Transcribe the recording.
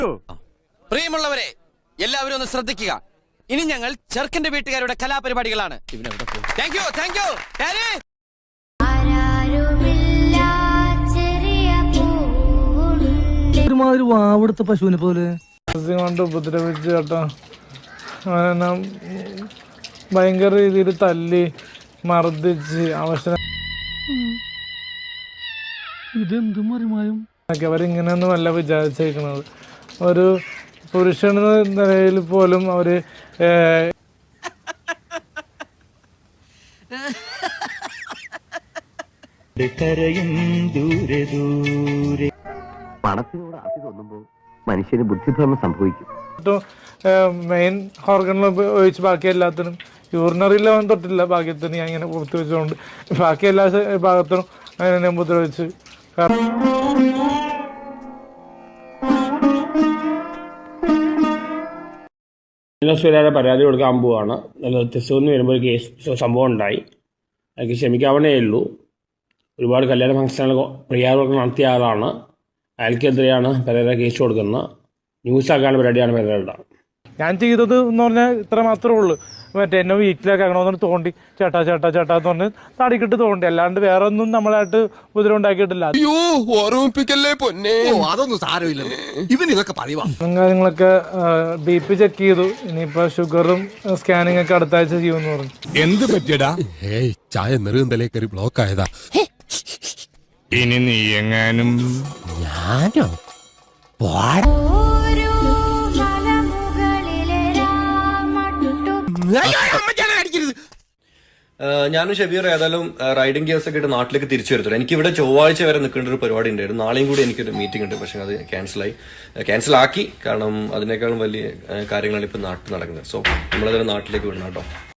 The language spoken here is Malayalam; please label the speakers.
Speaker 1: പ്രിയമുള്ളവരെ, എല്ലാവരും ഒന്ന് ശ്രദ്ധിക്കുക. ഇനി ഞങ്ങൾ ചെറുക്കന്റെ വീട്ടുകാരുടെ കലാപരിപാടികളാണ്. Thank you, thank you.
Speaker 2: ഒരുമാതിരി വാവെടുത്ത പശുവിനെ പോലെ
Speaker 3: കൊണ്ട് ഉപദ്രവിച്ച് കേട്ടോ. അങ്ങനെ ഭയങ്കര രീതിയിൽ തല്ലി മർദ്ദിച്ച് അവസരം
Speaker 2: ഇതെന്ത് മറിമായും
Speaker 3: അവരിങ്ങനെയൊന്നും അല്ല വിചാരിച്ചേക്കുന്നത്. ഒരു പുരുഷൻ എന്ന നിലയിൽ പോലും അവര്
Speaker 4: പണത്തിനോട് ആസി തോന്നുമ്പോ മനുഷ്യന് ബുദ്ധിഭ്രമം സംഭവിക്കും.
Speaker 3: മെയിൻ ഓർഗണിൽ ഒഴിച്ച് ബാക്കി എല്ലാത്തിനും യൂറിനറിയിൽ അവൻ തൊട്ടില്ല. ഭാഗ്യത്തിന് ഞാൻ ഇങ്ങനെ പുറത്ത് വെച്ചുകൊണ്ട് ബാക്കി എല്ലാ ഭാഗത്തിനും അങ്ങനെ ഞാൻ ഉപദ്രവിച്ച്.
Speaker 5: സുരാരെ പരാതി കൊടുക്കാൻ പോവാണ്. തെസുന്ന് വരുമ്പോൾ ഒരു കേസ് സംഭവം ഉണ്ടായി. അതൊക്കെ ക്ഷമിക്കാവണേ ഉള്ളൂ. ഒരുപാട് കല്യാണ ഫംഗ്ഷനുകൾ പ്രിയാവർക്ക് നടത്തിയ ആളാണ്. അയാൾക്കെതിരെയാണ് പെരേര കേസ് കൊടുക്കുന്നത്. ന്യൂസാക്കാനുള്ള പരിപാടിയാണ് പെരേരയുടെ.
Speaker 3: ഞാൻ ചെയ്തത് എന്ന് പറഞ്ഞാൽ ഇത്ര മാത്രമേ ഉള്ളൂ. മറ്റേ എന്നെ വീട്ടിലേക്കാക്കണമെന്ന് തോണ്ടി ചേട്ടാ ചേട്ടാ ചേട്ടാ എന്ന് പറഞ്ഞ് താടിക്കിട്ട് തോണ്ടി. അല്ലാണ്ട് വേറെ ഒന്നും നമ്മളായിട്ട് ഉപദ്രവം ഉണ്ടാക്കിയിട്ടില്ല. കാര്യങ്ങളൊക്കെ BP ചെക്ക് ചെയ്തു. ഇനിയിപ്പോ ഷുഗറും സ്കാനിങ് ഒക്കെ അടുത്ത ആഴ്ച ചെയ്യുമെന്ന് പറഞ്ഞു.
Speaker 6: എന്ത് പറ്റിയടാ? ചായ നെറുകന്തലേ കയറി ബ്ലോക്ക് ആയതാ. ഇനി നീ എങ്ങാനും
Speaker 4: ഞാനോ
Speaker 7: ഞാനും ഷബീർ ഏതായാലും റൈഡിംഗ് ഗിയേഴ്സ് ഒക്കെ ഇട്ട് നാട്ടിലേക്ക് തിരിച്ചു വരത്തുള്ളൂ. എനിക്ക് ഇവിടെ ചൊവ്വാഴ്ച വരെ നിൽക്കേണ്ട ഒരു പരിപാടി ഉണ്ടായിരുന്നു. നാളെയും കൂടി എനിക്കൊരു മീറ്റിംഗ് ഉണ്ട്. പക്ഷെ അത് ക്യാൻസൽ ആക്കി. കാരണം അതിനേക്കാളും വലിയ കാര്യങ്ങളാണ് ഇപ്പൊ നാട്ടിൽ നടക്കുന്നത്. സോ നമ്മളതിനെ നാട്ടിലേക്ക് വിടണം കേട്ടോ.